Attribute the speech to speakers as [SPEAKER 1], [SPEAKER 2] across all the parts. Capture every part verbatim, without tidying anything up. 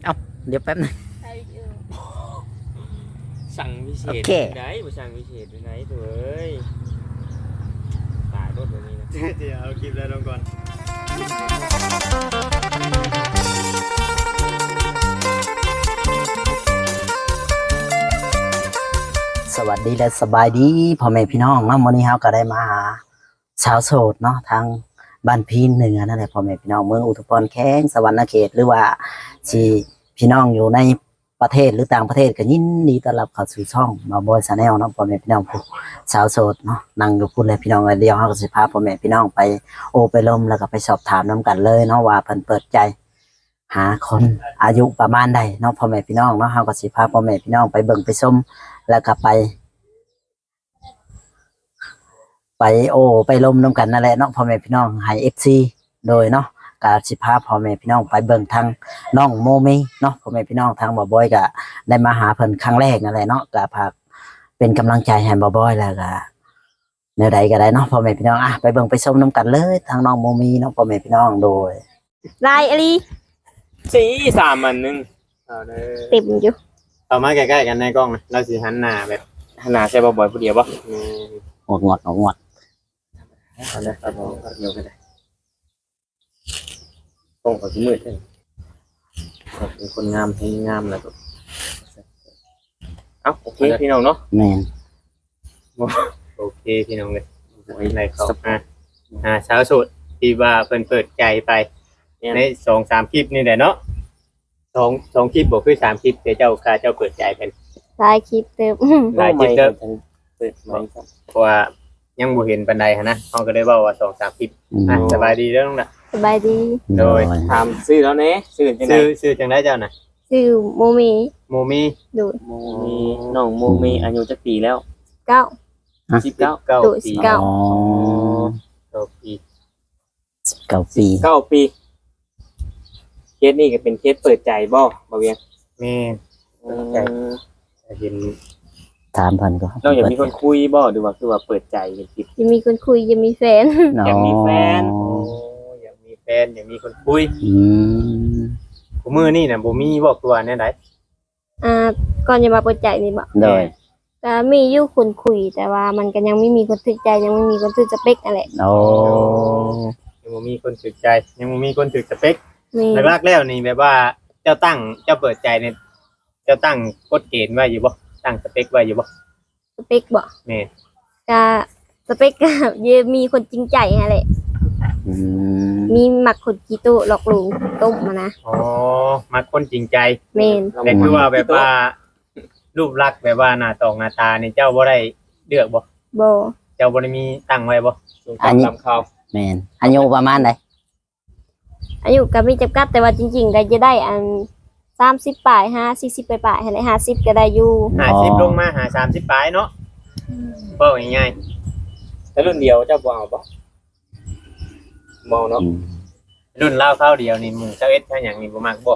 [SPEAKER 1] เอ้าเดี๋ยวแป๊บนึง
[SPEAKER 2] สั่งพิเศษ
[SPEAKER 1] โอเค
[SPEAKER 2] ได้บ่สั่งพิเศษอยู่ไหนตัวเอ้ยตายรถแบบนี้นะ
[SPEAKER 3] เดี๋ยวเอาคลิปแล้วลงก่อน
[SPEAKER 1] สวัสดีและสบายดีพ่อแม่พี่น้องเนาะวันนี้เฮาก็ได้มาหาชาวโสดเนาะทางบ้านพีนเหนือนั่นแหละพ่อแม่พี่น้องเมืองอุทุพรแข้งสวรรณเขตหรือว่าที่พี่น้องอยู่ในประเทศหรือต่างประเทศก็ยินดีต้อนรับเข้าสู่ช่องมาบอยชาแนลเนาะพ่อแม่พี่น้องผู้ชาวโสดเนาะนั่งอยู่พูดเลยพี่น้องเดียวเฮาก็สิพาพ่อแม่พี่น้องไปโอไปลมแล้วก็ไปสอบถามนํกันเลยเนาะว่าเพิ่นเปิดใจหาคนอายุประมาณใดเนาะพ่อแม่พี่น้องเนาะเฮาก็สิพาพ่อแม่พี่น้องไปเบิ่งไปชมแล้วก็ไปไปโอไปลมน้ำกันนั่นแหละเนาะพ่อแม่พี่น้องให้เอฟซีโดยเนาะกาสิพาพ่อแม่พี่น้องไปเบิ่งทางน้องโมมีเนาะพ่อแม่พี่น้องทางบ่บอยก็ได้มาหาเพิ่นครั้งแรกนั่นแหละเนาะก็พากเป็นกำลังใจให้บ่บอยแล้วก็แนวใดก็ได้เนาะพ่อแม่พี่น้องอ่ะไปเบิ่งไปชมน้ำกันเลยทางน้องโมมีเนาะพ่อแม่พี่น้องโดย
[SPEAKER 4] ลายอะไร
[SPEAKER 2] สีสามอันหนึงเอาเด้อ
[SPEAKER 4] เต็มอยู่
[SPEAKER 3] เอามาใกล้ๆกันในกล้องนะเราสิหันหน้าแบบ
[SPEAKER 2] ขนาดใช่บ่บ่อยผู้เดียวบ่
[SPEAKER 3] อืม
[SPEAKER 1] งดงดงด
[SPEAKER 3] เอาเลยครับผมเดี๋ยวกันได้กล้องเขาสิมืดใช่ไหมครับเป็นคนงามให้งามแล้วก็
[SPEAKER 2] เอ้าโอเคพี่น้องเนาะ
[SPEAKER 1] แม่น
[SPEAKER 2] โอเคพี่น้องเลยไว้ในเขาอ่ะอ่าสาวโสดที่ว่าเพิ่นเปิดใจไปในสองสามคลิปนี่แหละเนาะสองสองคลิปบ่คือสามคลิปแต่เจ้าค่าเจ้าเปิดใจเป็น
[SPEAKER 4] ลายคลิปเต็ม
[SPEAKER 2] หลายคลิปเด้อ
[SPEAKER 3] เปิดไมค์ครับ
[SPEAKER 2] เพราะว่ายังบ่เห็นปานใดหันนะเขาก็ได้เว้าว่าสองสามคลิปอ่ะสบายดีเด้อน้องน่ะ
[SPEAKER 4] สบายดี
[SPEAKER 2] โดย
[SPEAKER 3] ถามซื้อแล้วเน่ซื้อจังได๋
[SPEAKER 2] ชื่อชื่อจังได๋เจ้าน่ะ
[SPEAKER 4] ชื่อโมมี
[SPEAKER 2] โมมี
[SPEAKER 4] ดู
[SPEAKER 3] มีน้องโมมีอายุจักปีแล้ว
[SPEAKER 4] เก้า
[SPEAKER 3] สิบเก้า
[SPEAKER 2] เก้า
[SPEAKER 4] ดู
[SPEAKER 2] ปี
[SPEAKER 4] สิเก้า
[SPEAKER 1] อ๋อ
[SPEAKER 2] เก้าปี
[SPEAKER 1] เก้าปี
[SPEAKER 2] เก้าปีเคสนี่ก็เป็นเคสเปิดใจบ่บ่เวียงแม่เปิดใจเห็น
[SPEAKER 1] ถามเพิ่นก็
[SPEAKER 2] เราอยากมีคนคุยบ่หรือว่าคือว่าเปิดใจเป็นคลิป
[SPEAKER 4] ยังมีคนคุยยังมีแฟน
[SPEAKER 2] อยากมีแฟน
[SPEAKER 1] อ๋
[SPEAKER 2] โอ้
[SPEAKER 1] อ
[SPEAKER 2] อยากมีแฟนอยากมีคนคุย
[SPEAKER 1] อืม
[SPEAKER 2] กูมือนี่น่ะบ่มีบ่ตัวแน่ใด
[SPEAKER 4] อ่าก่อนจะมาเปิดใจนี่บอก
[SPEAKER 1] โดย
[SPEAKER 4] ก็มีอยู่คนคุย แต่ว่ามันก็ยังไม่มีคนถึกใจยังไม่มีคนถึกสเปคอะไร
[SPEAKER 1] โอ้
[SPEAKER 2] ยังบ่มีคนถูกใจ ยังบ่มีคนถูกสเปค
[SPEAKER 4] มี
[SPEAKER 2] หลักๆแล้วนี่แบบว่าเจ้าตั้งเจ้าเปิดใจเนี่ยเจ้าตั้งกฎเกณฑ์ไว้อยู่บ่ตั้งสเปคไว้อยู่บ่
[SPEAKER 4] สเปคบอก
[SPEAKER 2] แม่
[SPEAKER 4] ก็สเปคก็ยังมีคนจริงใจอะไร
[SPEAKER 1] อืม
[SPEAKER 4] มีหมักคนกีตุหลอกลวงต้มมานะ
[SPEAKER 2] อ๋อมาคนจริงใจ
[SPEAKER 4] เมน
[SPEAKER 2] แต่คือว่าแบบว่า รูปลักษณ์แบบว่าหน้าตองหน้าตานี่เจ้าบ่ได้เลือกบ่
[SPEAKER 4] โบ
[SPEAKER 2] เจ้าบ่ได้มีตั้งไว้บ่สูงต่ำต่ำเขา
[SPEAKER 1] แม่นอายุประมาณใด
[SPEAKER 4] อายุก็มีจำกัดแต่ว่าจริงๆก็จะได้อันสามสิบปลายห้าสี่สิบปลายๆอะไรห้าสิบก็ได้อยู่
[SPEAKER 2] ห้าสิบลงมาหาสามสิบปลายเนาะเว้าง่ายๆแต่รุ่นเดียวเจ้าบ่เอาบ่บ่เนาะ
[SPEAKER 1] อืม
[SPEAKER 2] รุ่นเล่าข้าวเดียวนี่หมึงเจ้าเอ็ดแค่อย่างนี้บ่มักบ่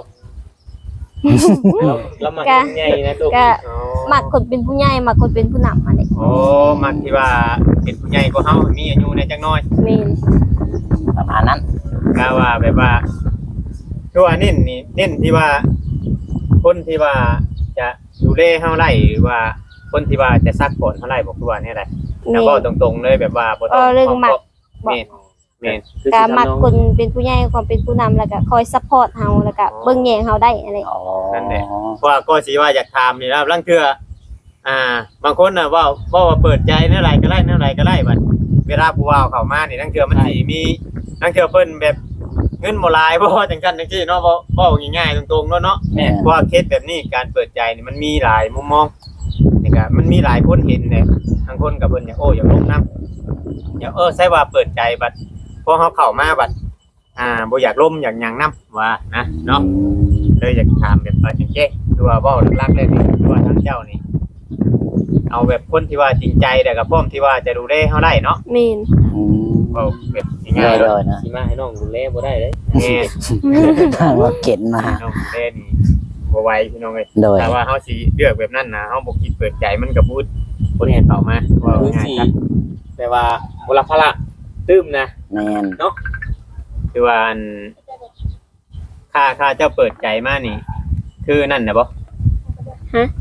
[SPEAKER 2] แล้วมันใหญ่นะลูก
[SPEAKER 4] ก็
[SPEAKER 2] อ๋อ
[SPEAKER 4] หมักคนเป็นผู้ใหญ่หมักคนเป็นผู้นำอะไร
[SPEAKER 2] โอ้มักที่ว่าเป็นผู้ใหญ่กว่าเฮามีอายุในจักหน้อย
[SPEAKER 4] เมน
[SPEAKER 1] ประมาณนั้น
[SPEAKER 2] ก็ว่าแบบว่าคือว่าเน้นนี่เน้นที่ว่า คนที่ว่าจะดูแลเฮาไล่หรือว่าคนที่ว่าจะซักผลเฮาไล่บอกคือว่าแนี่แหละ
[SPEAKER 4] เม
[SPEAKER 2] แล้ว
[SPEAKER 4] น
[SPEAKER 2] ก็ตรงๆเลยแบบว่าบ่ต้
[SPEAKER 4] เออเรื่องมัก
[SPEAKER 2] แม่นแม่น
[SPEAKER 4] ก็หมักคนเป็นผู้ใหญ่ความเป็นผู้นำแล้วก็คอยซัพพอร์ตเฮาแล้วก็เบิ่งแยงเฮาได้อะไร
[SPEAKER 1] อ๋อ
[SPEAKER 2] เพราะว่าก็สิว่าอยากถามนี่แล้วลังเทื่ออ่า บางคนน่ะเว่าเว่าว่าเปิดใจเท่าไหร่ก็ได้เท่าไหร่ก็ได้บัดเวลาผู้ว่าเข้ามานี่ลังเทื่อมันสิมีลังเทื่อเพิ่นแบบเงินบ่หลายบ่จังซั่นจังซี่เนาะบ่เว้าง่ายๆตรงๆเนาะเนาะ
[SPEAKER 1] แม่น
[SPEAKER 2] เพราะว่าเคสแบบนี้การเปิดใจนี่มันมีหลายมุมมองนี่ก็มันมีหลายคนเห็นเนี่ยบางคนก็เพิ่นอยากโอ้อยากลงน้ำอยากเออใช่ว่าเปิดใจบัดพอเฮาเข้ามาบัดอ่าบ่อยากล้มอยากหยังนํว่านะเนาะ เลยอยากถามแบบว่าจริงๆคือว่าเว้าหลักๆเลยนี่คือว่าทางเจ้านี่ เอาแบบคนที่ว่าจริงใจแต่กับพร้อมที่ว่าจะดูแลเฮาได้เนาะ
[SPEAKER 4] เมน
[SPEAKER 1] อืม
[SPEAKER 2] เว้าแบบ
[SPEAKER 1] เล
[SPEAKER 2] ง่าย
[SPEAKER 1] ย
[SPEAKER 2] ๆ
[SPEAKER 1] เล
[SPEAKER 2] เนาะ
[SPEAKER 1] ยนะ
[SPEAKER 3] สิมาให้น้องดูแลบ่ได้เด้
[SPEAKER 2] แม่
[SPEAKER 1] ทางว่าเข็นมา
[SPEAKER 2] น้องดูแลนี่บ่ไหวพี่น้องเอ้ย
[SPEAKER 1] โดย
[SPEAKER 2] แต่ว่าเฮาสิเลือกแบบนั้นนะเฮาบ่คิดเปิดใจมันก็พูดคนเห็นเข้ามาว่า
[SPEAKER 3] คือ
[SPEAKER 2] ง่าย
[SPEAKER 3] สิ
[SPEAKER 2] ครับแต่ว่าบ่รับภาระตื้มนะ
[SPEAKER 1] แม่น
[SPEAKER 2] คือว่าอันค่าค่าเจ้าเปิดใจมานี่คือนั่นน่ะบ่
[SPEAKER 4] ฮะ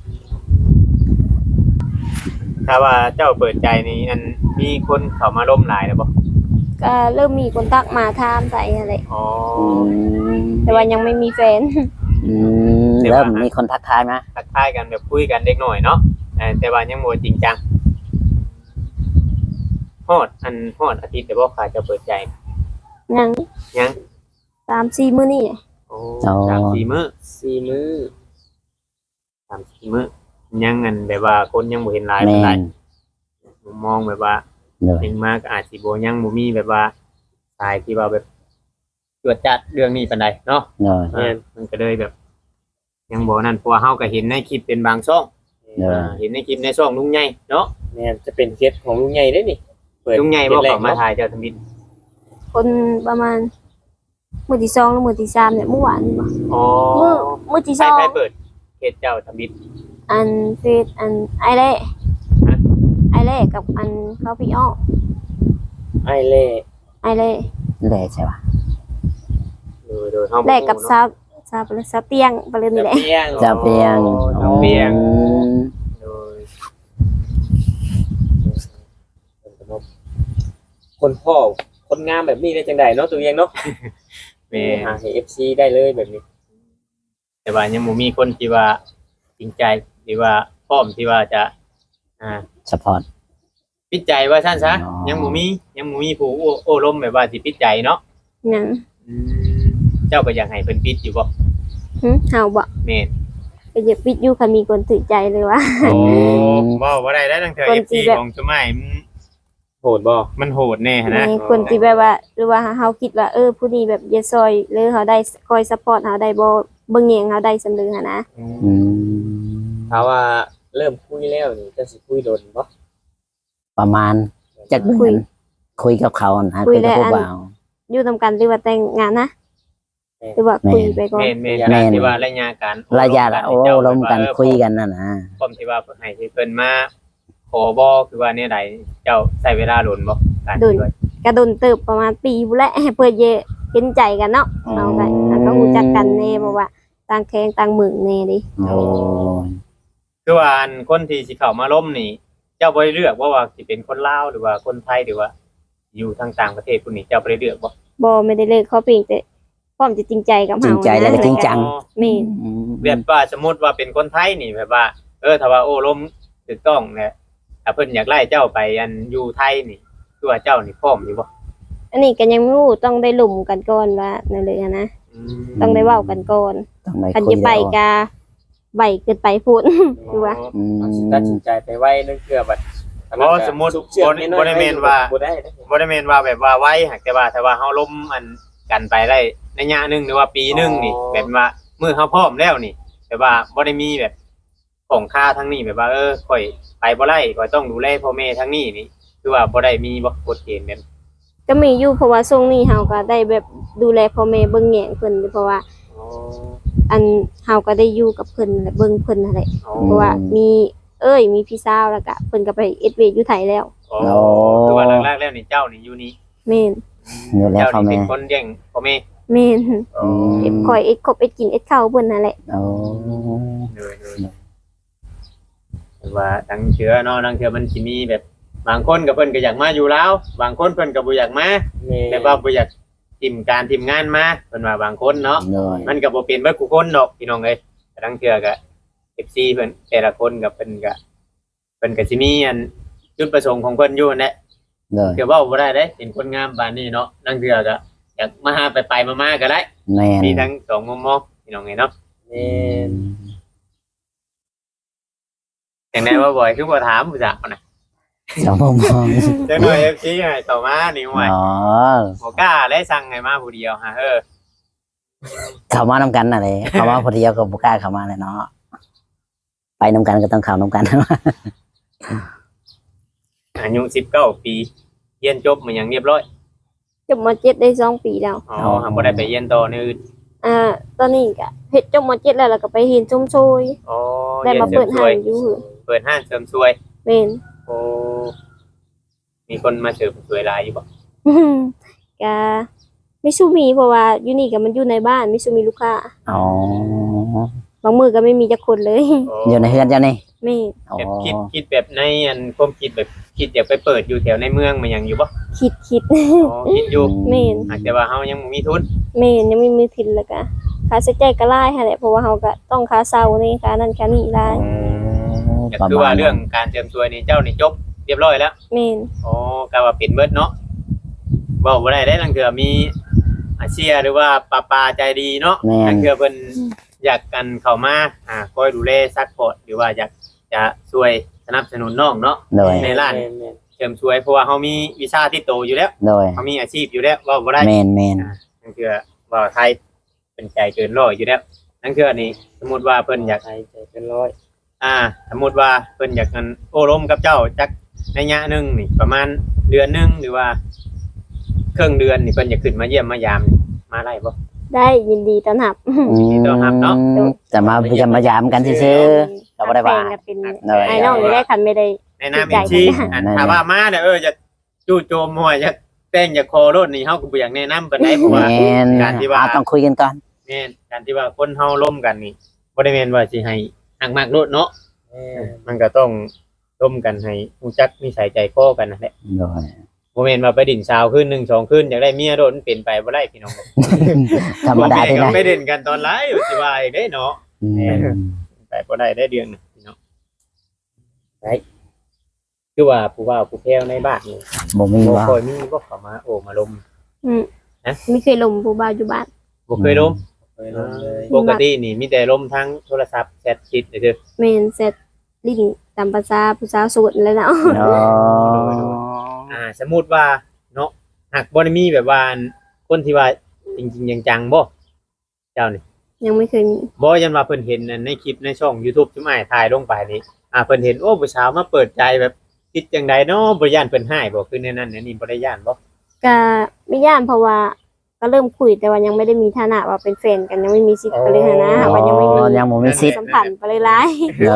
[SPEAKER 2] ถ้าว่าเจ้าเปิดใจนี่อันมีคนเข้ามาล้มหลายแล้วบ่
[SPEAKER 4] ก็เริ่มมีคนทักมาถามใส่อะไร
[SPEAKER 2] อ๋อ
[SPEAKER 1] อืม
[SPEAKER 4] แต่ว่ายังไม่มีแฟน
[SPEAKER 1] อืมเริ่มมีคนทักทายมา
[SPEAKER 2] ทักทายกันแบบคุยกันเด็กหน่อยเนาะเออแต่ว่ายังบ่จริงจังฮอดอันฮอดอาทิตย์แต่บ่ค่ะจะเปิดใจ
[SPEAKER 4] ยัง
[SPEAKER 2] ยัง
[SPEAKER 4] สามสี่มื้อนี่
[SPEAKER 2] โอ้สามสี่มื้อ
[SPEAKER 3] สี่มื้อ
[SPEAKER 2] สามสี่มื้อยังอันแบบว่าคนยังบ่เห็นหลาย
[SPEAKER 1] แม่
[SPEAKER 2] ปานใด
[SPEAKER 1] น
[SPEAKER 2] มุมมองแบบว่า
[SPEAKER 1] เลย
[SPEAKER 2] ยังมากอาจสิบ่ยังบ่มีแบบว่าสายที่ว่าแบบตรวจจัดเรื่องนี้ปานใดเนาะ
[SPEAKER 1] เลย
[SPEAKER 2] เออมันก็เลยแบบ ยังบ่นั่นเพราะว่าเฮาก็เห็นในคลิปเป็นบางช่อง
[SPEAKER 1] เลย
[SPEAKER 2] อ่าเห็นในคลิปในช่องลุงใหญ่เนาะ
[SPEAKER 3] แม่นจะเป็นเคสของลุงใหญ่ได้นี่เปิด
[SPEAKER 2] ลุงใหญ่บ่
[SPEAKER 3] คสแร
[SPEAKER 2] เข้าก มาถ่ายเจ้าทมิตร
[SPEAKER 4] คนประมาณมื้อที่สองหรือมื้อที่สามเนี่ยเมื่อวานนี่บ่
[SPEAKER 2] อ๋อ
[SPEAKER 4] มื้อมื้อที่
[SPEAKER 2] ใค
[SPEAKER 4] ส
[SPEAKER 2] ร
[SPEAKER 4] อง
[SPEAKER 2] ใครเปิดเพจเจ้าทมิตร
[SPEAKER 4] อันเฟซอันไอเล่
[SPEAKER 2] ฮะ
[SPEAKER 4] ไอเล่กับอันเขาพี่อ้อ
[SPEAKER 3] ไอ้เล่
[SPEAKER 4] ไอเล่
[SPEAKER 1] เลยใช่ปะ
[SPEAKER 2] โดยโดยเฮาบ่
[SPEAKER 4] แลกกับ
[SPEAKER 2] รู้
[SPEAKER 4] ซา
[SPEAKER 2] เนาะ
[SPEAKER 4] บซาบหรือซาเตียงไปเลยนี่แหละ
[SPEAKER 3] เปียง
[SPEAKER 1] จะเปียง
[SPEAKER 2] จะเปียง
[SPEAKER 1] อืม
[SPEAKER 2] โดย
[SPEAKER 3] คนพ่อคนงามแบบนี้ได้จังไดเนาะตัวเองเนาะ
[SPEAKER 2] แม่
[SPEAKER 3] หาให้ เอฟ ซี ได้เลยแบบนี้
[SPEAKER 2] แต่ว่ายังบ่มีคนที่ว่าจริงใจหรือว่าพร้อมที่ว่าจะอ่า
[SPEAKER 1] สปอร์ต
[SPEAKER 2] ปิดใจว่าซั่นซะ
[SPEAKER 1] อ๋อ
[SPEAKER 2] ยังบ่มียังบ่มีผู้โอ้โอ้ล้มแบบว่าสิปิดใจเนาะ
[SPEAKER 4] หยัง
[SPEAKER 2] อืมเจ้าก็อยากให้เพิ่นปิดอยู่บ่
[SPEAKER 4] หึเฮาบ่
[SPEAKER 2] แม่น
[SPEAKER 4] ก็อย่าปิดอยู่คันมีคนถือใจเลยว่า
[SPEAKER 2] โอ้เว้าบ่ได้แล้วตั้งแต่
[SPEAKER 4] คน
[SPEAKER 2] เอฟ
[SPEAKER 4] ที่
[SPEAKER 2] ซี
[SPEAKER 4] แบบ
[SPEAKER 2] ของสมัยมัน
[SPEAKER 3] โหดบ่
[SPEAKER 2] มันโหดแน่หั้นนะ
[SPEAKER 4] ในคนที่แบบว่าหรือว่าเฮาคิดว่าเออผู้นี้แบบอย่าซอยหรือเฮาได้คอยซัพพอร์ตเฮาได้บ่เบิ่งแยงเฮาได้สำนึกหันนะ
[SPEAKER 1] อืม
[SPEAKER 3] ถ้าว่าเริ่มคุยแล้วนี่จะสิคุยโดนบ่
[SPEAKER 1] ประมาณจักเดื
[SPEAKER 4] คุ
[SPEAKER 1] อย นคุยกับเขานะ
[SPEAKER 4] คุ
[SPEAKER 1] คุ
[SPEAKER 4] ย
[SPEAKER 1] ยกับ
[SPEAKER 4] แล้ว
[SPEAKER 1] ผู้
[SPEAKER 4] อัน
[SPEAKER 1] บ่าว
[SPEAKER 4] อยู่นํกันหรือว่าแต่งงานนะหรือว่าคุยไปก่อน
[SPEAKER 2] แม่นแม่น
[SPEAKER 1] แม่น
[SPEAKER 2] ที่ว่าระยะการ
[SPEAKER 1] ระยะละโอ้ลมกันคุยกันนั่นนะ
[SPEAKER 2] พร้อมที่ว่าให้เพิ่นมาขอบ่คือว่าเนี่ยใดเจ้าใช้เวลาโดนบ่การที่ว่า
[SPEAKER 4] กระโดนเติบประมาณปีพุ่นแหละเพื่อเยอะเห็นใจกันเนาะเอาไปแล้วก็รู้จักกันแน่บ่ว่าต่างแข้งต่างเมืองแน่ดิ
[SPEAKER 1] โอ้ย
[SPEAKER 2] คือว่าอันคนที่สิเข้ามาล้มนี่ เจ้าบ่ได้เลือกว่าว่าสิเป็นคนลาวหรือว่าคนไทยหรือว่า อยู่ทางต่างประเทศผู้นี้เจ้าบ่ได้เลือกบ่
[SPEAKER 4] บ่ไม่ได้เลิกเขาเพียงแต่พร้อมจะจริงใจกับ
[SPEAKER 1] จริ
[SPEAKER 4] เฮาง
[SPEAKER 1] ใจแล้วก็จริงจัง
[SPEAKER 2] อ๋อ
[SPEAKER 4] แม่น
[SPEAKER 1] อืม
[SPEAKER 2] แบบว่าสมมุติว่าเป็นคนไทยนี่แบบว่า เออถ้าว่าโอ้ล้มถูกต้องเนี่ยถ้าเพิ่นอยากไล่เจ้าไปอันอยู่ไทยนี่คือว่าเจ้านี่พร้อมอยู่บ่
[SPEAKER 4] อันนี้ก็ยังไม่รู้ต้องได้หลุมกันก่อนว่านั่นเลยนะ
[SPEAKER 2] อืม
[SPEAKER 4] ต้องได้เว้ากันก่อน
[SPEAKER 1] ต้องไป
[SPEAKER 4] คัน
[SPEAKER 1] คุย
[SPEAKER 4] จะไป
[SPEAKER 1] กัน
[SPEAKER 4] กาใบเกินไปพูด คือว่า
[SPEAKER 1] อืม
[SPEAKER 3] ตัดสินใจไปไว้นั่นคือบัด
[SPEAKER 2] เพราะสมมุติบ่ได้บ่ได้แม่นว่า
[SPEAKER 3] บ่ได้นะ
[SPEAKER 2] บ่ได้แม่นว่าแบบว่าไว้หากแต่ว่าแต่ว่าเฮาล้มอันกันไปได้ระยะหนึงหรือว่าปีหนึงนี่แบบว่ามื้อเฮาพร้อมแล้วนี่แบบว่าบ่ได้มีแบบของค่าทั้งนี้แบบว่าเออข่อยไปบ่ได้ข่อยต้องดูแลพ่อแม่ทั้งนี้นี่คือว่าบ่ได้มีบ่กฎเกณฑ์แบบ
[SPEAKER 4] ก็มีอยู่เพราะว่าช่วงนี้เฮาก็ได้แบบดูแลพ่อแม่เบิ่งแยงเพิ่นเพราะว่า
[SPEAKER 2] อ๋อ
[SPEAKER 4] อันเฮาก็ได้อยู่กับเพิ่นและเบิ่งเพิ่นนั่นแหละ
[SPEAKER 2] อ๋อ
[SPEAKER 4] เพราะว่ามีเอ้ยมีพี่สาวแล้วก็เพิ่นก็ไปเอ็ดเวย์อยู่ไทยแล้ว
[SPEAKER 2] อ๋อคือว่าแรกๆแล้วนี่เจ้านี่อยู่นี่
[SPEAKER 4] แม่น
[SPEAKER 1] อยู่แล้ว
[SPEAKER 2] เจ้า
[SPEAKER 1] พ่อ
[SPEAKER 2] นี่
[SPEAKER 1] แม่
[SPEAKER 2] เป็นคนเลี้ยงพ่อแม่
[SPEAKER 4] แม่น
[SPEAKER 2] อ๋อ
[SPEAKER 4] เอ็ดคอยเอ็ดคบเอ็ดกินเอ็ดข้าวเพิ่นนั่นแหละ
[SPEAKER 1] โอ้
[SPEAKER 2] เลยเลยแต่ว่าดังเชื้อเนาะดังเชื้อมันสิมีแบบบางคนกับเพิ่นก็อยากมาอยู่แล้วบางคนเพิ่นก็บ่อยากมา
[SPEAKER 3] แม่
[SPEAKER 2] แต่ว่าบ่อยากทีมการทีมงานมาเพิ่นว่าบางคนเนาะ
[SPEAKER 1] เลย
[SPEAKER 2] มันก็บ่เป็นเบิดทุกคนดอกพี่น้องเอ้ยแต่ดังเชื้อก็ เอฟ ซี เพิ่นแต่ละคนก็เพิ่นก็เพิ่นก็สิมีอันจุดประสงค์ของเพิ่นอยู่นั่นแหละ
[SPEAKER 1] เลย
[SPEAKER 2] เดี๋ยวเว้าบ่ได้เด้เป็นคนงามปานนี้เนาะดังเชื้อก็อยากมาหาไปไปๆมาๆก็ได้
[SPEAKER 1] แม่น
[SPEAKER 2] มีทั้งสองมุมมองพี่น้องเอ้ยเนาะ
[SPEAKER 3] แม่น
[SPEAKER 2] จังได๋ว่าบ่อยคือบ่ถามผู้จักน่ะ
[SPEAKER 1] สองมุมมอง
[SPEAKER 2] จังหน่อย เอฟ ซี ให้ต่อมานี่ห่วย
[SPEAKER 1] อ๋อ
[SPEAKER 2] บ่กล้าได้สั่งให้มาผู้เดียวฮะเออ
[SPEAKER 1] เข้ามานำกันน่ะเลยเข้ามาพอดียวก็บ่กล้าเข้ามาเลยเนาะไปนำกันก็ต้องเข้านำกัน
[SPEAKER 2] อายุสิบเก้าปีเรียนจบมาอย่างเรียบร้อย
[SPEAKER 4] จบม .เจ็ด ได้สองปีแล้ว
[SPEAKER 2] อ๋อหากบ่ได้ไปเรียนต่อในอื่น
[SPEAKER 4] อ่าตอนนี้ก็เฮ็ดจบม .เจ็ด แล้วแล้วก็ไปเรียนชมโชย
[SPEAKER 2] อ๋อ
[SPEAKER 4] ได้
[SPEAKER 2] เรียน
[SPEAKER 4] มา
[SPEAKER 2] เสริ
[SPEAKER 4] เปิ
[SPEAKER 2] ม
[SPEAKER 4] ด
[SPEAKER 2] ส
[SPEAKER 4] ห้า
[SPEAKER 2] วย
[SPEAKER 4] งอยู่หือ
[SPEAKER 2] เปิดห้างเสริมสวย
[SPEAKER 4] แม่น
[SPEAKER 2] โอ้มีคนมาเสริมสวยหลายอยู่บ่
[SPEAKER 4] ก็ไม่สู้มีเพราะว่าอยู่นี่ก็มันอยู่ในบ้านไม่สู้มีลูกค้า
[SPEAKER 1] อ๋อ
[SPEAKER 4] บางมือก็ไม่มีจักคนเลย
[SPEAKER 2] โอ้
[SPEAKER 1] อยู่ในเฮือนเจ้านี่
[SPEAKER 4] แม่น
[SPEAKER 1] อ๋อ
[SPEAKER 2] แบบคิดคิดแบบในอันความคิดแบบคิดอยากไปเปิดอยู่แถวในเมืองมันยังอยู่บ่
[SPEAKER 4] คิดคิด
[SPEAKER 2] อ๋อคิดอยู่
[SPEAKER 4] แม่น
[SPEAKER 2] อาจจะว่าเฮายังบ่มีทุน
[SPEAKER 4] แม่นยังไม่มีทินแล้วก็ค่าใช้จ่ายก็หลายหั่นแหละเพราะว่าเฮาก็ต้องค่าเช่านี่ค่านั่นค่านี่หลาย
[SPEAKER 2] ก็คือว่าเรื่องการเตรียมตัวนี่เจ้านี่จบเรียบร้อยแล้ว
[SPEAKER 4] แม่น
[SPEAKER 2] อ๋อก็ว่าเป็นเบิดเนาะเว้าบ่ได้ได้ลังเทื่อมีอาเซียหรือว่าป้าปาใจดีเนาะ
[SPEAKER 1] แม่
[SPEAKER 2] ลั
[SPEAKER 1] น
[SPEAKER 2] งเทื่อเพิ่นอยากกันเข้ามาอ่าคอยดูแลซัพพอร์ตหรือว่าอยากจะช่วยสนับสนุนน้องเนาะ
[SPEAKER 1] โดย
[SPEAKER 2] ในร้าน
[SPEAKER 3] แม่น
[SPEAKER 2] เสริมสวยเพราะว่าเฮามีวีซ่าที่โตอยู่แล้ว
[SPEAKER 1] โดย
[SPEAKER 2] เฮามีอาชีพอยู่แล้วเว้าบ่ได้
[SPEAKER 1] แมนแมน
[SPEAKER 2] นั่นคือว่าไทยเป็นใจเกินร้อยอยู่แล้วนั่นคืออันนี้สมมติว่าเพิ่นอยาก
[SPEAKER 3] ๆใจใจเป็นร้อย
[SPEAKER 2] อ่า สมมติว่าเพิ่นอยากกันโอ้ล้มกับเจ้าจักระยะหนึงนี่ประมาณเดือนหนึงหรือว่าครึ่งเดือนนี่เพิ่นอยากขึ้นมาเยี่ยมมายามนี่มาได้บ่
[SPEAKER 4] ได้ยินดีต้อนรับ
[SPEAKER 2] ยินดีต้อนรับเนาะ
[SPEAKER 1] จะมาจะมายามกันซื่อๆก็บ่ได้ว่า
[SPEAKER 4] แฟนก็เป็น
[SPEAKER 1] โดย
[SPEAKER 4] ไอ้น้องนี่ได้คันไม่ได้
[SPEAKER 2] ในนามเอ็นชีอันถ้าว่ามาเนี่ยเออจะจู่โจมหัวจะแป้งจะคอรถนี่เฮาก็บ่อยากแนะนำปานใดเพราะ
[SPEAKER 1] แม
[SPEAKER 2] ว่า
[SPEAKER 1] น
[SPEAKER 2] การที่ว่า
[SPEAKER 1] อ่าต้องคุยกันก่อน
[SPEAKER 2] แม่นการที่ว่าคนเฮาล้มกันนี่บ่ได้แม่นว่าสิให้หักมากโลดเนาะ
[SPEAKER 3] แม่น
[SPEAKER 2] มันก็ต้องร่วมกันให้รู้จักนิสัยใจคอกันนั่นแหละ
[SPEAKER 1] โดย
[SPEAKER 2] บ่แม่นว่าไปดินสาวคืนหนึ่งสองคืนอยากได้เมียโดนเป็นไปบ่ได้พี่น้อง
[SPEAKER 1] ธรรมดา
[SPEAKER 2] ที่
[SPEAKER 1] ที่
[SPEAKER 2] ไห
[SPEAKER 1] ไห
[SPEAKER 2] น
[SPEAKER 1] น
[SPEAKER 2] ไปเด่นกันตอนไลฟ์อยู่สิว่าอีกเด้เนาะ
[SPEAKER 1] อืม
[SPEAKER 2] ไปบ่ได้ได้เดือนหนึงพี่น้องได้คือว่าผู้ว่าผู้แพ้วในบ้านนี่
[SPEAKER 1] บ่มี
[SPEAKER 2] บ่
[SPEAKER 1] ว่า
[SPEAKER 2] ค่อยมีบ่เข้ามาโอ้มาลม
[SPEAKER 4] อืม
[SPEAKER 2] ฮะ
[SPEAKER 4] ไม่เคยลมผู้บ่าวอยู่บ้าน
[SPEAKER 2] บ่เคยลม
[SPEAKER 3] เคยลงเลย
[SPEAKER 2] ปกตินี่มีแต่ลมทั้งโทรศัพท์แชทชิดเด้อ
[SPEAKER 4] แม่นเสร็จลิ้นตามภาษาผู้สาวโสดแล้วเนาะ
[SPEAKER 1] อ๋อ
[SPEAKER 2] อ่า สมมุติว่าเนาะหากบ่ได้มีแบบว่าคนที่ว่าจริงๆจังๆบ่เจ้านี่
[SPEAKER 4] ยังไม่เคยมี
[SPEAKER 2] บ่ยันว่าเพิ่นเห็นในคลิปในช่อง YouTube ที่อ้ายถ่ายลงไปนี่อ่าเพิ่นเห็นโอ้ผู้สาวมาเปิดใจแบบคิดจังไดเนาะบ่ย่านเพิ่นให้บ่คือในนั้นในนี่บ่ได้ย่านบ่
[SPEAKER 4] ก็ไม่ย่านเพราะว่าก็เริ่มคุยแต่ว่ายังไม่ได้มีฐานะว่าเป็นแฟนกันยังไม่มีสิทธิ์ไปเลยหั้นนะว่ายังไม่มี
[SPEAKER 1] ยังบ่มีสิทธิ์
[SPEAKER 4] สัมพันธ์ไปเลยหลาย
[SPEAKER 1] เลย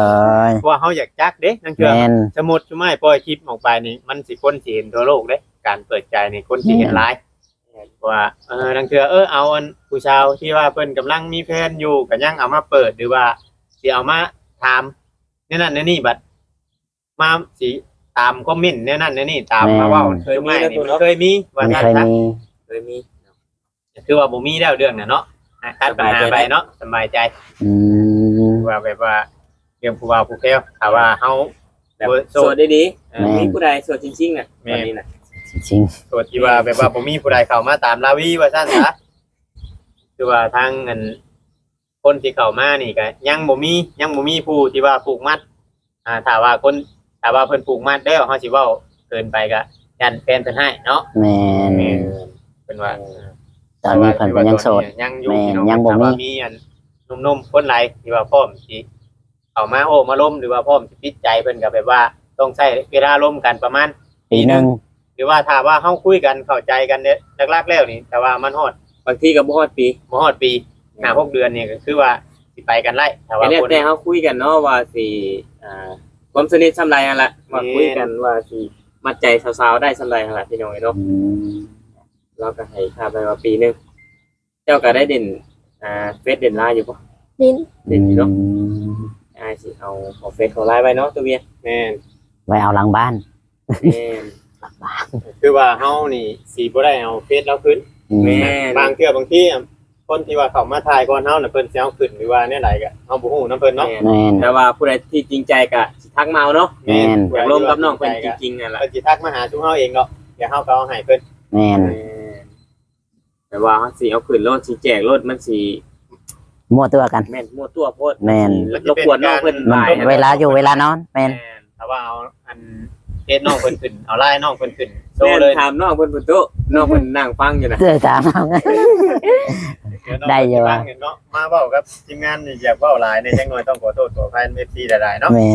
[SPEAKER 2] เพราะว่าเฮาอยากจักเด้นั่นคือ
[SPEAKER 1] แม่น
[SPEAKER 2] สมมุติชุมายปล่อยคลิปออกไปนี่มันสิคนสิเห็นทั่วโลกเด้การเปิดใจนี่คนสิเห็นหลายว่าเออนั่นคือเออเอาอันผู้ชาวที่ว่าเพิ่นกำลังมีแฟนอยู่ก็ยังเอามาเปิดหรือว่าสิเอามาถามแนวนั้นแนวนี้บัดมาสิตามคอมเมนต์แนวนั้นแนวนี้ตามมาเว้าเคยมีนี่มันเคยมีว่า
[SPEAKER 1] ไม่
[SPEAKER 2] ซั่น
[SPEAKER 1] เคย
[SPEAKER 2] ซะ
[SPEAKER 1] มี
[SPEAKER 3] เคยมี
[SPEAKER 2] คือว่าบ่มีแล้วเรื่องน่ะเนาะอ่ะตัดปัญหาไปเนาะสบายใจ
[SPEAKER 1] อืม
[SPEAKER 2] ว่าแบบว่าเรื่องผู้ว่าผู้แก้วถ้าว่าเฮา
[SPEAKER 3] แบบ
[SPEAKER 2] โส
[SPEAKER 3] โส
[SPEAKER 2] ด
[SPEAKER 3] ดได้ดี
[SPEAKER 2] เออ
[SPEAKER 3] มีผู้ใดโสดจริงๆน่ะ
[SPEAKER 2] แม่
[SPEAKER 3] ตอนนี้น่ะ
[SPEAKER 1] จริง
[SPEAKER 2] โสดที่ว่าแบบว่าบ่มีผู้ใดเข้ามาตามลาวีว่าซั่นซะคือว่าทางอันคนที่เข้ามานี่ก็ยังบ่มียังบ่มีผู้ที่ว่าผูกมัดอ่าถ้าว่าคนถ้าว่าเพิ่นผูกมัดแล้วเฮาสิเว้าเกินไปก็ยันแฟนเพิ่นให้เนาะ
[SPEAKER 1] ๆแม่น
[SPEAKER 2] แม่นเพิ่นว่า
[SPEAKER 1] ตอนนี้เพิ่นก็ยังโสด
[SPEAKER 2] ยังอยู่
[SPEAKER 1] แม่น
[SPEAKER 2] พี่น้อ
[SPEAKER 1] ยังบ่มี
[SPEAKER 2] แต่ว่ามีอันหนุ่มๆคนหลายที่ว่าพร้อมสิเข้ามาโอ้มาล้มหรือว่าพร้อมสิปิดใจเพิ่นก็แบบว่าต้องใช้เวลาล้มกันประมาณ
[SPEAKER 1] ปีหนึง
[SPEAKER 2] หรือว่าถ้าว่าเฮาคุยกันเข้าใจกันเนี่ยแรกๆแล้วนี่แต่ว่ามันฮอด
[SPEAKER 3] บางทีก็บ่ฮอดปี
[SPEAKER 2] บ่ฮอดปีห้าหกเดือนนี่ก็คือว่าสิไปกันไล่แต่
[SPEAKER 3] แต่
[SPEAKER 2] ว่า
[SPEAKER 3] แล้ว
[SPEAKER 2] คน
[SPEAKER 3] แต่เฮาคุยกันเนาะว่าสิอ่าความสนิทส่ำใดนั่นล่ะว่าคุยกันว่าสิมัดใจสาวๆได้ส่ำใดนั่นล่ะพี่น้องเนาะ
[SPEAKER 1] อืม
[SPEAKER 3] เราก็ให้ค่าไปว่าปีหนึงเจ้าก็ได้เด่นอ่าเฟซเด่นไลน์อยู่บ่
[SPEAKER 4] ลิ้น
[SPEAKER 3] เด่นอยู่เนาะอ้ายสิเอาเอาเฟซของไลน์ไว้เนาะตัวเวียน
[SPEAKER 2] แม่น
[SPEAKER 1] ไว้เอาหลังบ้าน
[SPEAKER 3] แม่น
[SPEAKER 2] คือว่าเฮานี่สิบ่ได้เอาเฟซเราขึ้น
[SPEAKER 1] อืม
[SPEAKER 3] แม่
[SPEAKER 2] บางเทื่อบางทีอะคนที่ว่าเข้ามาถ่ายก่อนเฮาน่ะเพิ่นสิเอาขึ้นหรือว่าแนวไหนก็เฮาบ่ฮู้นํเพิ่นเนาะ
[SPEAKER 1] แม่น
[SPEAKER 3] แต่ว่าผู้ใดที่จริงใจก็สิทักมาเอาเนาะ
[SPEAKER 1] แม่น
[SPEAKER 3] อยากร่วมกับน้องเพิ่นจริงๆนั่นล่ะ
[SPEAKER 2] เพิ่นสิทักมาหาชุมเฮาเองเนาะเดี๋ยวเฮาก็เอาให้เพิ่น
[SPEAKER 1] แม่น
[SPEAKER 3] แต่ว่าเขาสิเอาขึ้นรถสิแจกรถมันสิ
[SPEAKER 1] มั่วตัวกัน
[SPEAKER 3] แม่นมั่วตัวโพด
[SPEAKER 1] แม่น
[SPEAKER 3] รบกวนน้องเพิ่น
[SPEAKER 1] มัน
[SPEAKER 3] บ่าย
[SPEAKER 1] เวลาอยู่เวลานอนแม่น
[SPEAKER 2] ถ้าว่าเอาอันเฟซน้องเพิ่นขึ้นเอาไลน์น้องเพิ่นขึ้นโช
[SPEAKER 3] แม่
[SPEAKER 2] ว์
[SPEAKER 3] น
[SPEAKER 2] เลย
[SPEAKER 3] ถามน้องเพิ่นพุ่นโตะน้องเพิ่นนั่งฟังอยู่น่ะ
[SPEAKER 1] เสื้อตามเอา ได้อยู่ว่ะ
[SPEAKER 2] เนาะมาเว้ากับทีมงานนี่อยากเว้าหลายในจังหน่อยต้องขอโทษขออภัย เอฟ ซี หลายๆเนาะ
[SPEAKER 1] แม่น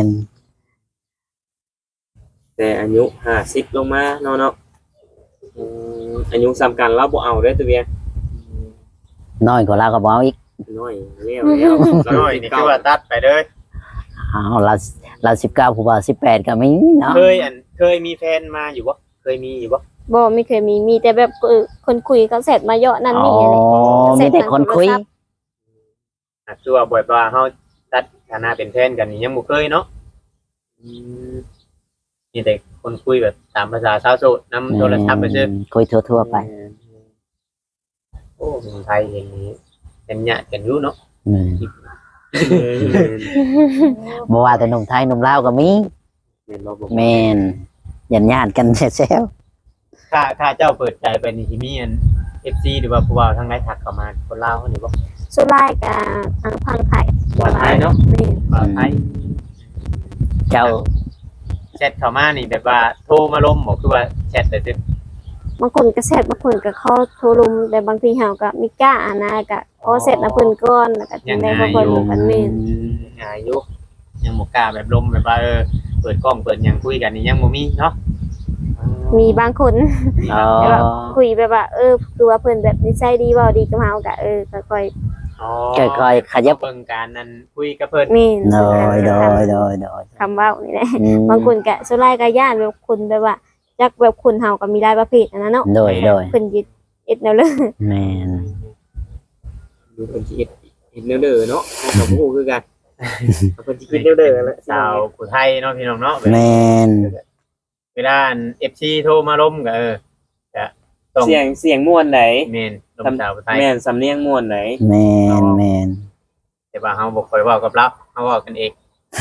[SPEAKER 3] แต่อายุห้าสิบลงมาเนาะเนาะอืมอายุซ้ำกันเราบ่เอาเด้อตัวเวีย
[SPEAKER 1] น้อยกว่าเราก็บ่เอาอีก
[SPEAKER 3] น้อยแล้วแล้ว
[SPEAKER 2] น้อยนี่คือว่าตัดไปเด้อ
[SPEAKER 1] เอาเราเราสิบเก้าผู้บ่าวสิบแปดก็มีเนาะ
[SPEAKER 2] เคยอันเคยมีแฟนมาอยู่บ่เคยมีอยู่บ่
[SPEAKER 4] บ่ไม่เคยมีมีแต่แบบเออคนคุยเขาเสร็จมาเยอะนั่น
[SPEAKER 1] อ๋อ
[SPEAKER 4] นี่อะไร
[SPEAKER 1] มีแต่คนคุย
[SPEAKER 2] อ่ะคือว่าบ่อยว่าเฮาตัดฐานะเป็นแฟนกันนี่ยังบ่เคยเนาะ
[SPEAKER 3] อืม
[SPEAKER 2] มีแต่คนคุยแบบตามภาษาชาวโสดนำโทรศัพท์ไปซื้อ
[SPEAKER 1] คุยทั่วๆไป
[SPEAKER 2] โอ้เมืองไทยอย่างนี้เป็นญาติกันอยู่เนาะ
[SPEAKER 1] อืม
[SPEAKER 3] เออ
[SPEAKER 1] บ่ว่าแต่หนุ่มไทยหนุ่มลาวก็มี
[SPEAKER 3] แม่นบ่บ่
[SPEAKER 1] แม่นยันญาติกันแซว
[SPEAKER 2] ถ้าถ้าเจ้าเปิดใจไปนี่สิมีอัน เอฟ ซี หรือว่าผู้ว่าทางไหนทักเข้ามาคนลาวเขานี่บ่
[SPEAKER 4] สุดท้ายก็ทางพังไทย
[SPEAKER 3] ว่าไทยเนาะ
[SPEAKER 4] แม่น
[SPEAKER 2] ว่าไทย
[SPEAKER 1] ๆเจ้า
[SPEAKER 2] แชทเข้ามานี่แบบว่าโทรมาล้มบ่คือว่าแชทได้ซื่อบ
[SPEAKER 4] างคนก็แซ่บบางคนก็เข้าโทรลมแต่บางทีเฮาก็มีกล้าอ่านนะก็พอเสร็จแล้วเพิ่นก่อนแล้วก็จังได้พอเพิ่นรู้กันแม่น
[SPEAKER 2] ง่ายอยู่ยังบ่กล้าแบบล้มแบบว่าเออเปิดกล้องเปิดหยังคุยกันนี่ยังบ่มีเนาะ
[SPEAKER 4] มีบางคน
[SPEAKER 1] อ๋อ
[SPEAKER 4] แต่แบบคุยแบบว่าเออดูว่าเพิ่นแบบนิสัยดีเว้าดีกับเฮาก็เออก็ค่อย
[SPEAKER 2] อ๋อ
[SPEAKER 1] ค่อยๆขยับ
[SPEAKER 2] เบิ่งการนั้นคุยกับเพิ่น
[SPEAKER 4] แม่น
[SPEAKER 1] โดยโดยโดยโดย
[SPEAKER 4] คำเว้านี่แหละ
[SPEAKER 1] อืม
[SPEAKER 4] บางคนก็สุดท้ายก็ย่านแบบคนแบบว่าจักแบบคนเฮาก็มีหลายประเภทอันนั้นเนาะ
[SPEAKER 1] โดยโดย
[SPEAKER 4] เพิ่นยึดเอ็ดแนวเลย
[SPEAKER 1] แม่น
[SPEAKER 3] ดูเพิ่นสิเฮ็ดเฮ็ดแนวเด้อเนาะเราก็บ่ฮู้คือกันเพิ่นสิคิดแนวเด้อแหละ
[SPEAKER 2] สาวผู้ไทยเนาะพี่น้องเนาะ
[SPEAKER 1] แม่น
[SPEAKER 2] เวลา เอฟ ซี โทรมาล้มก็เออจะต้อง
[SPEAKER 3] เสียงเสียงม่วนไหน
[SPEAKER 2] แม่นล้มสาวผู้ไทย
[SPEAKER 3] แม่นสำเนียงม่วนไหน
[SPEAKER 1] แม่นแม่น
[SPEAKER 2] แต่ว่าเฮาบ่ค่อยเว้ากับเราเฮาเว้ากันเอง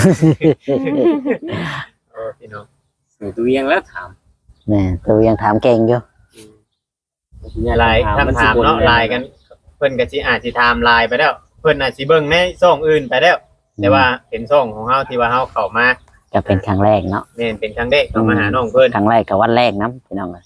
[SPEAKER 2] เออพี่น้อง
[SPEAKER 3] เออตัวเวียงแล้วถาม
[SPEAKER 1] แม่นตัวยังถามเก่งอยู่
[SPEAKER 2] ไลน์คำถามเนาะไลน์กันเพิ่นก็สิอาจสิถามไลน์ไปแล้วเพิ่นอาจสิเบิ่งในช่องอื่นไปแล้ว แต่ว่าเป็นช่องของเฮาที่ว่าเฮาเข้ามา
[SPEAKER 1] ก็เป็นครั้งแรกเนาะ
[SPEAKER 2] แม่นเป็นครั้งแรกเข้ามาหาน้องเพิ่น
[SPEAKER 1] ครั้งแรกกับวันแรกนะพี่น้องเอ้ย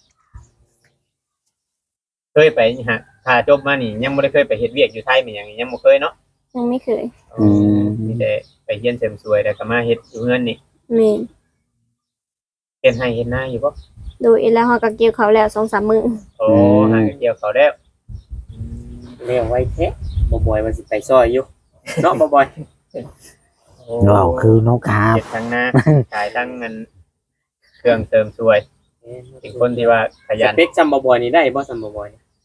[SPEAKER 2] เคยไปฮะถ้าจบมานี่ยังบ่ได้เคยไปเฮ็ดเวียกอยู่ไทยแม่นหยังยังบ่เคยเนาะ
[SPEAKER 4] ยังไม่เคย
[SPEAKER 1] อืม
[SPEAKER 2] มีแต่ไปเรียนเสริมสวยแล้วก็มาเฮ็ดอยู่เฮือนนี่
[SPEAKER 4] แม่น
[SPEAKER 2] เฮ็ดให้เฮ็ดนาอยู่บ่
[SPEAKER 4] โดยแล้วเฮาก็เกี่ยวเขาวแล้ว สองสาม มื้อ
[SPEAKER 2] โอ้หาเกี่ยวเขาแล้ว
[SPEAKER 3] เรียกไว้แท้บ่บ่อยมันสิไปซอยอยู่เนาะบ่บ่อย
[SPEAKER 1] ว้าวคือน้องกาบ
[SPEAKER 2] เฮ็ดทั้งหน้าขายทั้งเงินเครื่องเสริมสวยเป็นคนที่ว่าข
[SPEAKER 3] ส
[SPEAKER 2] ยัน
[SPEAKER 3] เปคซัมบ่บ่อยนี่ได้บ่ซัมบ่บ่อย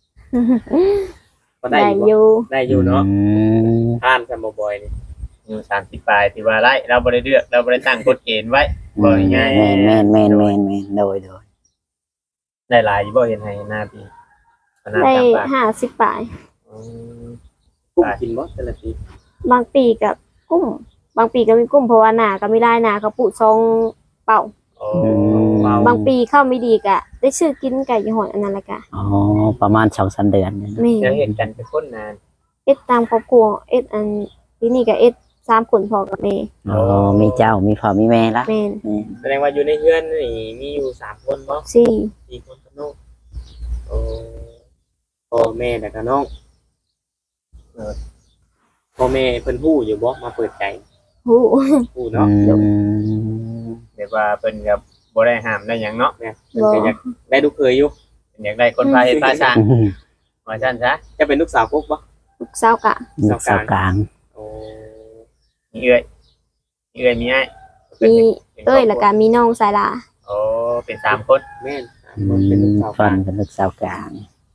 [SPEAKER 3] ก็ได้
[SPEAKER 4] ได้
[SPEAKER 3] อ
[SPEAKER 4] อยู่ ยู่
[SPEAKER 3] บ่ได้อยู่เนาะ
[SPEAKER 1] อืม
[SPEAKER 3] ผ่านซัมบ่บ่อยนี่
[SPEAKER 2] อยู่สามสิบปลายที่ว่าไล่เราบ่ได้เลือกเราบ่ได้ตั้งกฎเกณฑ์ไว้ บ่ง่าย
[SPEAKER 1] แม่นแม่นแม่นแม่นแม่นโดยโดย
[SPEAKER 2] ได้หลายอยู่บ่เฮ็ดให้หน้าพี่หน้า
[SPEAKER 4] ได้
[SPEAKER 2] ตามปาก
[SPEAKER 4] ห้าสิบปลาย
[SPEAKER 2] อืม
[SPEAKER 3] กุ้งกินบ่แต่ละที
[SPEAKER 4] บางปีก็กุ้ม บางปีก็มีกุ้มเพราะว่าหน้าก็ไม่ได้หน้าก็ปุซองเป่า
[SPEAKER 2] โอ้
[SPEAKER 4] บางปีเข้าไม่ดีก็ได้ชื่อกินไก่ยี่ห้ออันนั้นละกะ
[SPEAKER 1] อ๋อประมาณสองสามเดือนเนี่ยนะ
[SPEAKER 4] แม่
[SPEAKER 2] เดี๋ยวเห็นกันเป็นคนนาน
[SPEAKER 4] เอ็ดตามครอบครัวเอ็ดอันที่นี่ก็เอ็ดสามคนพอกับแม่
[SPEAKER 1] อ๋อมีเจ้ามีพ่อมีแม่ละ
[SPEAKER 4] แม่น
[SPEAKER 3] แสดงว่าอยู่ในเฮือนนี่มีอยู่สามคนบ่
[SPEAKER 4] สี่
[SPEAKER 3] สี่คนกับน้องโอ้พ่อแม่แล้วก็น้องเออพ่อแม่เพิ่นฮู้อยู่บ่มาเปิดใจ
[SPEAKER 4] หู
[SPEAKER 3] ฮู้
[SPEAKER 1] อื
[SPEAKER 3] เนาะ
[SPEAKER 1] ม
[SPEAKER 2] แบบว่าเพิ่นก็บ่ได้ห้ามได้หยังเนาะ
[SPEAKER 3] เพิ่นก็อยากได้ลูกเคยอยู่
[SPEAKER 2] เพิ่นอยากได้คนพาเฮ็ดพาสร้างว่าซั่นซะ
[SPEAKER 3] จะเป็นลูกสาวกุ๊กบ่
[SPEAKER 4] ลูกสาวกะ
[SPEAKER 1] ลูกสาวกลาง
[SPEAKER 3] โอ้
[SPEAKER 2] มีเอื้อยมีเอื้อยมีอ้าย
[SPEAKER 4] มีเอ้ยแล้วก็มีน้องสายลา
[SPEAKER 2] โอ้เป็นสามคน
[SPEAKER 3] แม่นสาม
[SPEAKER 1] อื
[SPEAKER 3] คนเป็นลูก
[SPEAKER 1] ม
[SPEAKER 3] สาว
[SPEAKER 1] ฟั
[SPEAKER 3] กาน ร
[SPEAKER 1] เป็นลูกสาวกลาง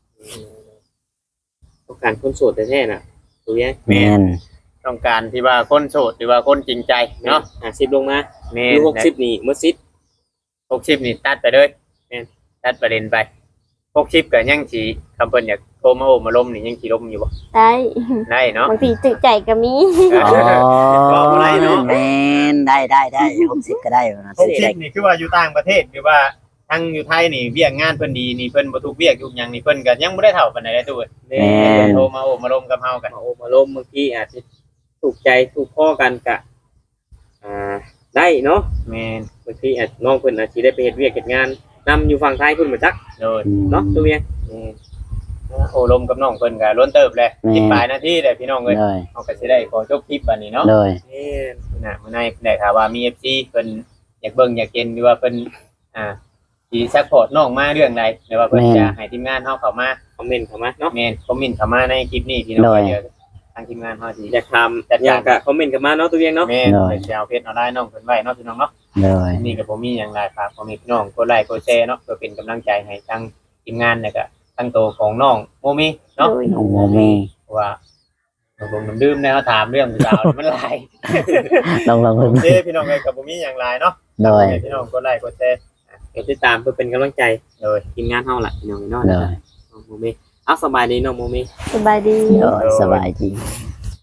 [SPEAKER 3] ต้องการคนโสดแท้ๆน่ะตัวยัง
[SPEAKER 1] แม่น
[SPEAKER 2] ต้องการที่ว่าคนโสดหรือว่าคนจริงใจ
[SPEAKER 3] เนาะ
[SPEAKER 2] เนาะ
[SPEAKER 3] ห้าสิบลงมา
[SPEAKER 2] แม่
[SPEAKER 3] อน ยู่หกสิบนี่หมดสิทธิ์
[SPEAKER 2] หกสิบนี่ตัดไปเลยแม่นตัดประเด็นไปหกสิบก็ยังสิคำเพิ่นอยากโทรมาโอ้มาล้มนี่ยังสิล้มอยู่บ่
[SPEAKER 4] ได้
[SPEAKER 2] ได้เนาะ
[SPEAKER 4] บางทีตึกใจก็มี
[SPEAKER 1] อ๋อ
[SPEAKER 2] บอกอะไรเนาะ
[SPEAKER 1] แม่นได้ได้ได้หกสิบก็ได้นะ
[SPEAKER 2] หกสิบนี่คือว่าอยู่ต่างประเทศหรือว่าทั้งอยู่ไทยนี่เวียกงานเพิ่นดีนี่เพิ่นบ่ทุกเวียกทุกหยังนี่เพิ่นก็ยังบ่ได้เท่าปานใดเลยตู้
[SPEAKER 3] แม่
[SPEAKER 1] แม่น
[SPEAKER 2] โทรมาโอ้มาล้มกับเฮากัน
[SPEAKER 3] มาโอมาล้มบางทีอาจจะถูกใจถูกข้อกันกะอ่าได้เนาะ
[SPEAKER 2] แม่น
[SPEAKER 3] บางทีอาจน้องเพิ่นอาจสิได้ไปเฮ็ดเวียกเฮ็ดงานนำอยู่ฝั่งไทยเพิ่นบ่จัก
[SPEAKER 2] โดย
[SPEAKER 3] เนาะตัวยัง
[SPEAKER 2] แม่นโอ้ล้มกับน้องเพิ่นก็ล้นเติบเลยสิบปลายนาทีเด้อพี่น้องเอ้ย
[SPEAKER 1] เลย
[SPEAKER 2] เฮาก็สิได้ขอจบคลิปบัดนี้เนาะ
[SPEAKER 1] เลย
[SPEAKER 3] แม่น
[SPEAKER 2] นะเมื่อในได้ข่าวว่ามี เอฟ ซี เพิ่นอยากเบิ่งอยากเห็นหรือว่าเพิ่นอ่าสิซัพพอร์ตน้องมาเรื่องใดหรือว่าเพิ่นจะให้ทีมงานเฮาเข้ามา
[SPEAKER 3] คอมเมนต์เข้ามาเนาะ
[SPEAKER 2] แม่นคอมเมนต์เข้ามาในคลิปนี้พี่น้องเดี๋ยวทางทีมงานเฮาสิ
[SPEAKER 3] อยากทำอยากกะคอมเมนต์เข้ามาเนาะตัวยังเนาะ
[SPEAKER 2] แม่นเพิ่นสิเอาเพจเอาได้น้องเพิ่นไว้เนาะพี่น้องเนาะ
[SPEAKER 1] เลย
[SPEAKER 2] นี่ก็บ่มีหยังหลายฝากพ่อแม่พี่น้องกดไลค์กดแชร์เนาะเพื่อเป็นกำลังใจให้ทางทีมงานแล้วก็ทั้งโตวของน้องโมมี่เนาะ
[SPEAKER 4] โดย
[SPEAKER 1] น้องโมเม
[SPEAKER 2] เพราะว่าผมน้ำดื่มเนี่ยเขาถามเรื่องผู้สาวนี่มันหลาย
[SPEAKER 1] ลองลอง
[SPEAKER 2] โอ
[SPEAKER 1] เบิ่ง
[SPEAKER 2] เคพี่น้องเอ้ยกับบ่มีหยังหลายเนาะ
[SPEAKER 1] โดย
[SPEAKER 2] พี่น้องกดไลค์กดแชร์
[SPEAKER 3] ก็ติดตามเพื่อเป็นกำลังใจ
[SPEAKER 2] โดย
[SPEAKER 3] ทีมงานเฮาล่ะพี่น้องเนาะ
[SPEAKER 1] โดย
[SPEAKER 3] น้องโมเมเอาสบายดีน้องโมเม
[SPEAKER 4] สบายดี
[SPEAKER 1] โดยสบายดี
[SPEAKER 2] โ